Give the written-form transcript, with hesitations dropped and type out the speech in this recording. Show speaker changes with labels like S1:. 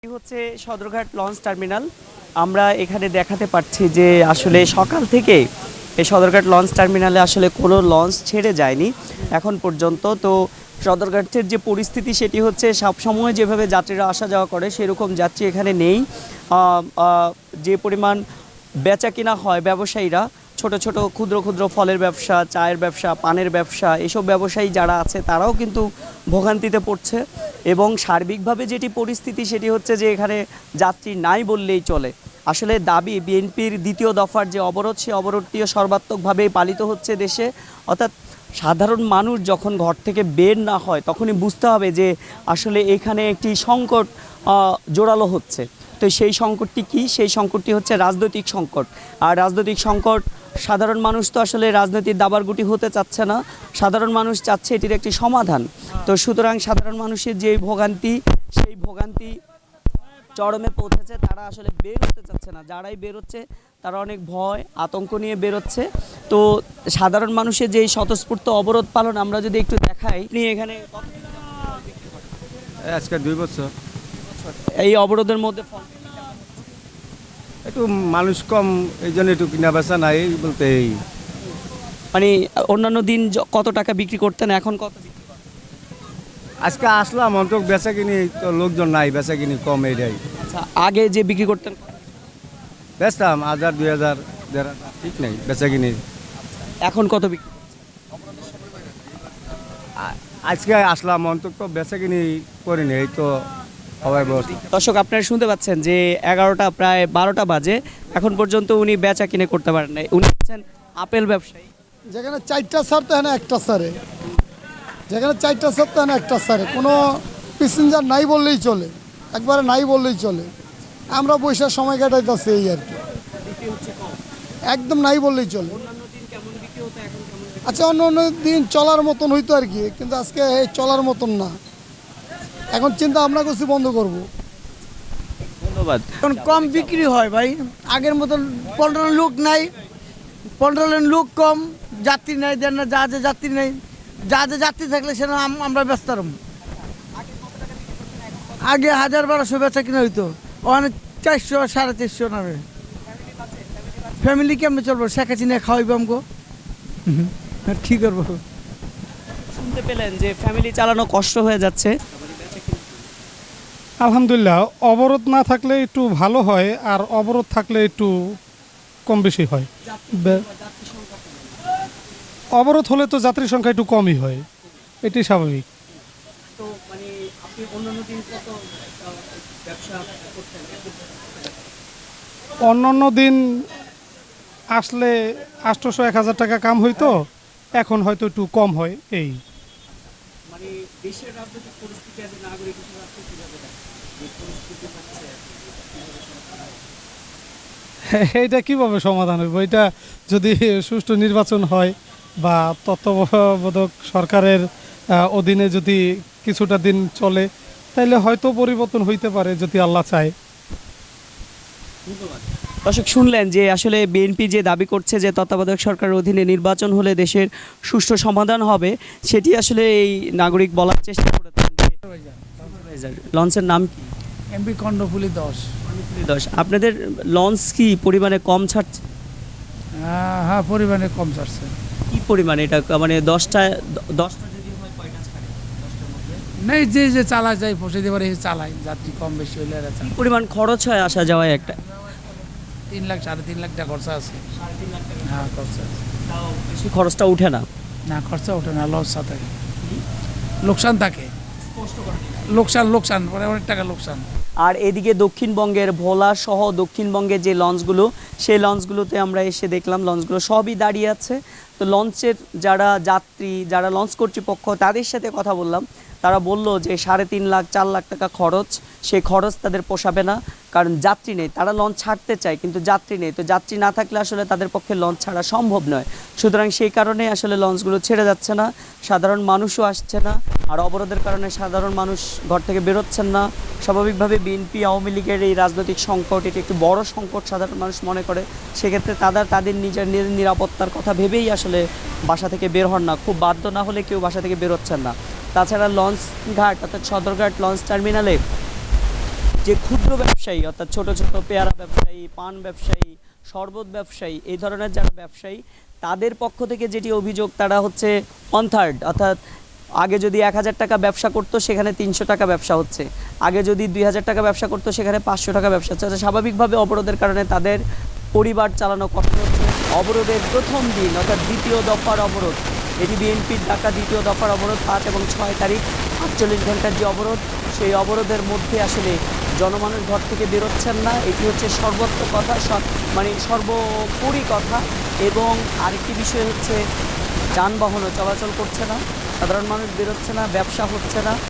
S1: এই হচ্ছে Sadarghat launch terminal. আমরা এখানে দেখাতে পাচ্ছি যে আসলে সকাল থেকে এই সদরঘাট লঞ্চ টার্মিনালে আসলে কোনো লঞ্চ ছেড়ে যায়নি এখন পর্যন্ত। তো সদরঘাটের যে পরিস্থিতি সেটি হচ্ছে সবসময় যেভাবে যাত্রীরা আসা যাওয়া করে সেরকম যাত্রী এখানে নেই। যে পরিমাণ বেচা কিনা হয় ব্যবসায়ীরা, ছোট ছোট ক্ষুদ্র ক্ষুদ্র ফলের ব্যবসা, চায়ের ব্যবসা, পানের ব্যবসা, এসব ব্যবসায়ী যারা আছে তারাও কিন্তু ভোগান্তিতে পড়ছে। এবং সার্বিকভাবে যেটি পরিস্থিতি সেটি হচ্ছে যে এখানে যাত্রী নাই বললেই চলে। আসলে দাবি বিএনপির দ্বিতীয় দফার যে অবরোধ, সেই অবরোধটিও সর্বাত্মকভাবেই পালিত হচ্ছে দেশে। অর্থাৎ সাধারণ মানুষ যখন ঘর থেকে বের না হয় তখনই বুঝতে হবে যে আসলে এখানে একটি সংকট জোরালো হচ্ছে। তো সেই সংকটটি কি? সেই সংকটটি হচ্ছে রাজনৈতিক সংকট। আর রাজনৈতিক সংকট, সাধারণ মানুষ তো আসলে রাজনৈতিক দাবারগুটি হতে চাচ্ছে না, সাধারণ মানুষ চাচ্ছে এটির একটি সমাধান। তো সুতরাং সাধারণ মানুষের যে ভোগান্তি, সেই ভোগান্তি চরমে পৌঁছেছে। তারা আসলে বের হতে চাচ্ছে না, যারাই বেরোচ্ছে তারা অনেক ভয় আতঙ্ক নিয়ে বেরোচ্ছে। তো সাধারণ মানুষের যে স্বতঃস্ফূর্ত অবরোধ পালন আমরা যদি একটু দেখাই, আপনি এখানে
S2: আজকে 2 বছর
S1: এই অবরোধের মধ্যে
S2: একটু মানুষ কম, এই জন্য একটু কিনা বেচা নাই বলতে এই
S1: মানে অন্যান্য দিন কত টাকা বিক্রি করতেন, এখন কত বিক্রি করেন?
S2: আজকে আসলাম অন্তত বেচা কিনি তো লোকজন নাই, বেচা কিনি কম এইটাই।
S1: আচ্ছা, আগে যে বিক্রি করতেন
S2: বেচতাম 1000 2000 1500, ঠিক নেই বেচা কিনি।
S1: এখন কত বিক্রি?
S2: আজকে আসলাম অন্তত বেচা কিনি করিনি, এই তো সবাই বসে।
S1: দর্শক, আপনারা শুনতে পাচ্ছেন যে 11টা প্রায় 12টা বাজে, এখন পর্যন্ত উনি বেচা কিনে করতে পারেন নাই। উনি হচ্ছেন আপেল ব্যবসায়ী।
S3: যেখানে 4টা সার তো এখানে একটা সারে, যেখানে 4টা সার তো এখানে একটা সারে, কোনো প্যাসেঞ্জার নাই বললেই চলে, একবারে নাই বললেই চলে। আমরা বৈশাখ সময় কাটাইতেছি এই আর কি, একদম নাই বললেই চলে। আচ্ছা, অন্য অন্য দিন চলার মতন হইতো আর কি, কিন্তু আজকে এই চলার মতন না। এখন চিন্তা ভাবনা করছি বন্ধ করব।
S1: ধন্যবাদ।
S4: এখন কম বিক্রি হয় ভাই, আগের মতো পল্টনের লোক নাই, পল্টনের লোক কম, যাত্রী নাই, দেন না জাহাজে যাত্রী নেই, জাহাজে যাত্রী থাকলে সেটা আমরা ব্যস্ত রম। আগে 1000-1200 বেচা কিনা হইতো, ওখানে 400 450 নামে। ফ্যামিলি কেমনে চলবো? শেখা চিনে খাওয়াইবো আমগো, আর কি করবো?
S1: শুনতে পেলেন যে ফ্যামিলি চালানো কষ্ট হয়ে যাচ্ছে।
S5: আলহামদুলিল্লাহ, অবরোধ না থাকলে একটু ভালো হয়, আর অবরোধ থাকলে একটু কম বেশি হয়। অবরোধ হলে তো যাত্রীর সংখ্যা একটু কমই হয়, এটি স্বাভাবিক।
S1: তো মানে আপনি অন্যান্য দিন কত ব্যবসা করতেন?
S5: অন্যান্য দিন আসলে 800-1000 টাকা কাম হইতো, এখন হয়তো একটু কম হয় এই।
S1: মানে দেশের রাজনৈতিক পরিস্থিতি আর নাগরিক হিসেবে আপনি কিভাবে দেখেন? যে পরিস্থিতি হচ্ছে
S5: এইটা কিভাবে সমাধান হইব? এটা যদি সুষ্ঠু নির্বাচন হয় বা তত্ত্বাবধায়ক সরকারের অধীনে যদি কিছুটা দিন চলে, তাহলে হয়তো পরিবর্তন হইতে পারে যদি আল্লাহ চায়।
S1: দর্শক, শুনলেন যে আসলে বিএনপি যে দাবি করছে যে তত্ত্বাবধায়ক সরকারের অধীনে নির্বাচন হলে দেশের সুষ্ঠু সমাধান হবে, সেটি আসলে এই নাগরিক বলার চেষ্টা করেছেন। লঞ্চের নাম কি?
S4: এমপি কর্ণফুলি 10।
S1: আপনাদের লঞ্চ কি পরিমাণে কম ছাড়ছে?
S4: হ্যাঁ, পরিমাণে কম ছাড়ছে।
S1: কি পরিমাণে? এটা মানে 10টা যদি হয় কয়টা ছাড়ে? 10টার মধ্যে
S4: নেই, যে যে চালা যায় পৌঁছে দেবার এই চালাই, যাত্রী কম বেশি হইলে এরা
S1: কি
S4: চালায়।
S1: পরিমাণ খরচ হয় আসা যাওয়ায়? একটা
S4: 3 লাখ 3.5 লাখ টাকা খরচা আছে। হ্যাঁ, খরচা আছে।
S1: তাও বেশি খরচটা উঠে না।
S4: না, খরচা ওঠে না, লস থাকে, লোকসান থাকে, লোকসান মানে অনেক টাকা লোকসান।
S1: আর এদিকে দক্ষিণবঙ্গের ভোলা সহ দক্ষিণবঙ্গের যে লঞ্চগুলো, সেই লঞ্চগুলোতে আমরা এসে দেখলাম লঞ্চগুলো সবই দাঁড়িয়ে আছে। তো লঞ্চের যারা যাত্রী, যারা লঞ্চ কর্তৃপক্ষ, তাদের সাথে কথা বললাম। তারা বলল যে 3.5 লাখ 4 লাখ টাকা খরচ, সেই খরচ তাদের পোষাবে না, কারণ যাত্রী নেই। তারা লঞ্চ ছাড়তে চায় কিন্তু যাত্রী নেই। তো যাত্রী না থাকলে আসলে তাদের পক্ষে লঞ্চ ছাড়া সম্ভব নয়। সুতরাং সেই কারণে আসলে লঞ্চগুলো ছেড়ে যাচ্ছে না, সাধারণ মানুষও আসছে না। আর অবরোধের কারণে সাধারণ মানুষ ঘর থেকে বেরোচ্ছেন না। স্বাভাবিকভাবে বিএনপি আওয়ামী লীগের এই রাজনৈতিক সংকট, এটি একটি বড় সংকট সাধারণ মানুষ মনে করে। সেক্ষেত্রে তাদের নিজের নিরাপত্তার কথা ভেবেই আসলে বাসা থেকে বের হন না, খুব বাধ্য না হলে কেউ বাসা থেকে বেরোচ্ছেন না। তাছাড়া লঞ্চ ঘাট অর্থাৎ সদরঘাট লঞ্চ টার্মিনালে যে ক্ষুদ্র ব্যবসায়ী অর্থাৎ ছোট ছোট পেয়ারা ব্যবসায়ী, পান ব্যবসায়ী, শরবত ব্যবসায়ী, এই ধরনের যারা ব্যবসায়ী, তাদের পক্ষ থেকে যেটি অভিযোগ, তারা হচ্ছে 1/3, অর্থাৎ আগে যদি 1000 টাকা ব্যবসা করতো সেখানে 300 টাকা ব্যবসা হচ্ছে, আগে যদি 2000 টাকা ব্যবসা করতো সেখানে 500 টাকা ব্যবসা হচ্ছে। স্বাভাবিকভাবে অবরোধের কারণে তাদের পরিবার চালানো কষ্ট হচ্ছে। অবরোধের প্রথম দিন অর্থাৎ দ্বিতীয় দফার অবরোধ, এটি বিএনপির ডাকা দ্বিতীয় দফার অবরোধ, 5 এবং 6 তারিখ 48 ঘন্টার যে অবরোধ, সেই অবরোধের মধ্যে আসলে জনমানুষ ঘর থেকে বেরোচ্ছেন না, এটি হচ্ছে সর্বত্র কথা, মানে সর্বোপরি কথা। এবং আরেকটি বিষয় হচ্ছে যানবাহনও চলাচল করছে না, সাধারণ মানুষ বেরোচ্ছে না, ব্যবসা হচ্ছে না।